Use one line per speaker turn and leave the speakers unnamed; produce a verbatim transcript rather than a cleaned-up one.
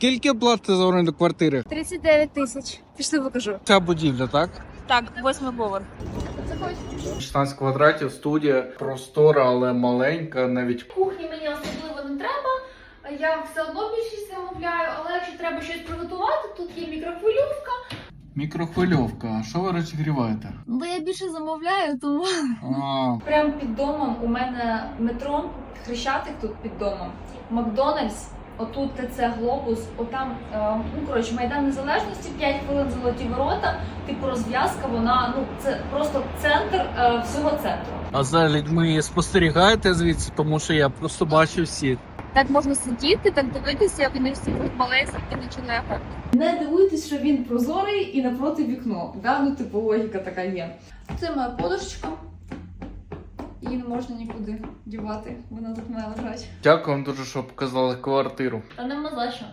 Скільки платите за оренду квартири?
тридцять дев'ять тисяч. Пішли покажу.
Ця будівля, так?
Так, восьмий поверх.
шістнадцять квадратів, студія, простора, але маленька, навіть.
Кухні мені особливо не треба. Я все одно більшість замовляю, але якщо треба щось приготувати, тут є мікрохвильовка.
Мікрохвильовка. А що ви розігріваєте?
Бо я більше замовляю, тому...
А,
Прямо під домом у мене метро, Хрещатик тут під домом, Макдональдс, отут ТЦ Глобус, отам, е, ну коротше, Майдан Незалежності, п'ять хвилин золоті ворота, типу розв'язка, вона, ну це просто центр е, всього центру.
а за людьми спостерігаєте звідси, тому що я просто бачу всі.
Так можна сидіти, так дивитися, як вони всі тут малесенькі, нічого не ефект.
Не дивуйтесь, що він прозорий і напроти вікно, да? Ну типу логіка така є. Це моя подушечка. Її не можна нікуди дівати, вона тут має лежати.
Дякую вам дуже, що показали квартиру.
Та нема за що.